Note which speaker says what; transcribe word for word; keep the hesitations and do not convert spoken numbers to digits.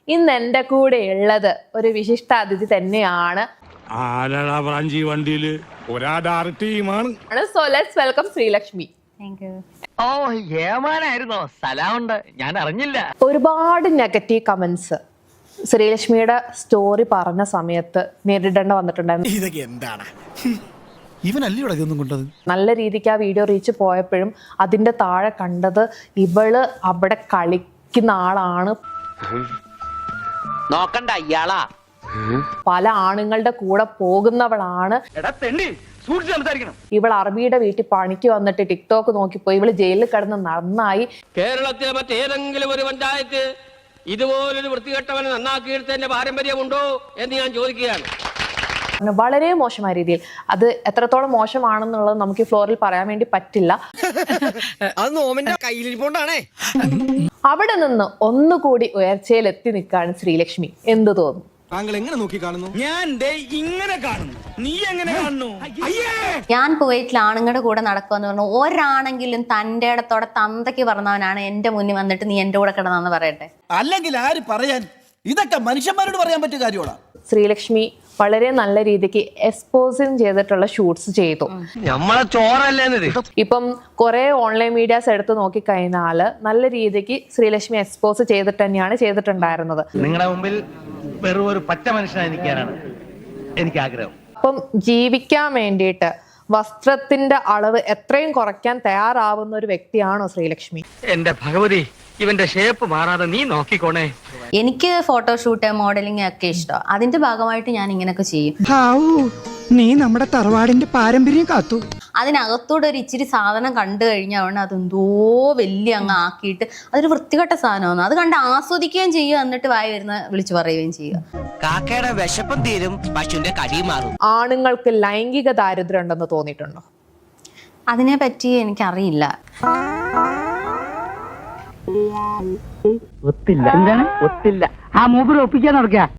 Speaker 1: ഇന്ന് എൻ്റെ കൂടെ ഉള്ളത് ഒരു വിശിഷ്ടാതിഥി തന്നെയാണ്. So let's welcome Sreelakshmi.
Speaker 2: ഓ ഏമാനായിരുന്നോ? സലാമുണ്ട്, ഞാൻ അറിഞ്ഞില്ല.
Speaker 1: ഒരുപാട് നെഗറ്റീവ് കമന്റ്സ് ശ്രീലക്ഷ്മിയുടെ സ്റ്റോറി പറഞ്ഞ സമയത്ത് നേരിടേണ്ട വന്നിട്ടുണ്ടായിരുന്നു.
Speaker 3: ഇതൊക്കെ എന്താണ്? ഇവനല്ലേ ഇതൊന്നും കൊണ്ടത്?
Speaker 1: നല്ല രീതിക്ക് ആ വീഡിയോ റീച്ച് പോയപ്പോഴും അതിന്റെ താഴെ കണ്ടത് ഇവള് അവിടെ കളിക്കുന്ന ആളാണ്,
Speaker 2: നോക്കണ്ട ഇയാളാ,
Speaker 1: പല ആണുങ്ങളുടെ കൂടെ പോകുന്നവളാണ്, ഇവൾ അറബിയുടെ വീട്ടിൽ പണിക്ക് വന്നിട്ട് ടിക്ടോക്ക് നോക്കിപ്പോയി, ഇവള് ജയിലിൽ കിടന്ന് നന്നായി.
Speaker 4: കേരളത്തിലെ മറ്റേതെങ്കിലും ഒരു പഞ്ചായത്ത് ഇതുപോലൊരു വൃത്തികെട്ടവനെ നന്നാക്കിയെടുത്തതിന്റെ പാരമ്പര്യമുണ്ടോ എന്ന് ഞാൻ ചോദിക്കുകയാണ്.
Speaker 1: വളരെ മോശമായ രീതിയിൽ. അത് എത്രത്തോളം മോശമാണെന്നുള്ളത് നമുക്ക് ഈ ഫ്ലോറിൽ പറയാൻ വേണ്ടി പറ്റില്ല. അവിടെ നിന്ന് ഒന്നുകൂടി ഉയർച്ചയിൽ എത്തി നിൽക്കാണ് ശ്രീലക്ഷ്മി. എന്ത് തോന്നുന്നു?
Speaker 3: താങ്കൾ എങ്ങനെ നോക്കി കാണുന്നു? ഞാൻ ഇങ്ങനെ കാണുന്നു, നീ എങ്ങനെ കാണുന്നു?
Speaker 5: ഞാൻ കുവൈറ്റിൽ ആണുങ്ങളുടെ കൂടെ നടക്കുമെന്ന് പറഞ്ഞു ഒരാണെങ്കിലും തന്റെ ഇടത്തോടെ തന്തയ്ക്ക് പറഞ്ഞവനാണ് എന്റെ മുന്നിൽ വന്നിട്ട് നീ എന്റെ കൂടെ കിടന്നാന്ന് പറയട്ടെ.
Speaker 3: അല്ലെങ്കിൽ ആര് പറയാൻ? ഇതൊക്കെ മനുഷ്യന്മാരോട് പറയാൻ പറ്റിയ കാര്യമാണ്.
Speaker 1: ശ്രീലക്ഷ്മി വളരെ നല്ല രീതിക്ക് എക്സ്പോസിങ് ചെയ്തിട്ടുള്ള ഷൂട്ട്സ് ചെയ്തു.
Speaker 2: നമ്മളെ ചോറല്ലേ?
Speaker 1: ഇപ്പം കുറെ ഓൺലൈൻ മീഡിയാസ് എടുത്ത് നോക്കിക്കഴിഞ്ഞാല് നല്ല രീതിക്ക് ശ്രീലക്ഷ്മി എക്സ്പോസ് ചെയ്തിട്ട് തന്നെയാണ് ചെയ്തിട്ടുണ്ടായിരുന്നത്.
Speaker 2: നിങ്ങളുടെ മുമ്പിൽ വെറും ഒരു പച്ച മനുഷ്യനായി നിൽക്കാനാണ് എനിക്ക് ആഗ്രഹം.
Speaker 1: അപ്പം ജീവിക്കാൻ വേണ്ടിയിട്ട് വസ്ത്രത്തിന്റെ അളവ് എത്രയും കുറയ്ക്കാൻ തയ്യാറാവുന്ന ഒരു വ്യക്തിയാണോ ശ്രീലക്ഷ്മി?
Speaker 4: എന്റെ ഭഗവതി, ഇവന്റെ ഷേപ്പ് മാറാതെ നീ നോക്കിക്കോണേ.
Speaker 5: എനിക്ക് ഫോട്ടോഷൂട്ട് മോഡലിംഗ് ഒക്കെ ഇഷ്ടം. അതിന്റെ ഭാഗമായിട്ട് ഞാൻ ഇങ്ങനെയൊക്കെ ചെയ്യും.
Speaker 6: നീ നമ്മുടെ തറവാടിന്റെ പാരമ്പര്യം കാത്തു.
Speaker 5: അതിനകത്തൂടെ ഒരു ഇച്ചിരി സാധനം കണ്ടു കഴിഞ്ഞാൽ അതെന്തോ വലിയ അങ്ങ് ആക്കിയിട്ട് അതൊരു വൃത്തികെട്ട സാധനമാണ്. അത് കണ്ട് ആസ്വദിക്കുകയും ചെയ്യുക, എന്നിട്ട് വായി വരുന്ന വിളിച്ചു പറയുകയും ചെയ്യുക.
Speaker 2: കാക്കയുടെ വിശപ്പം തീരും, പശുവിന്റെ കടി മാറും.
Speaker 1: ആണുങ്ങൾക്ക് ലൈംഗിക ദാരിദ്ര്യം ഉണ്ടെന്ന് തോന്നിയിട്ടുണ്ടോ?
Speaker 5: അതിനെ പറ്റി എനിക്കറിയില്ല.
Speaker 2: ഒത്തില്ല. എന്താണ് ഒത്തില്ല? ആ മൂപ്പര് ഒപ്പിക്കാൻ നടക്കുക.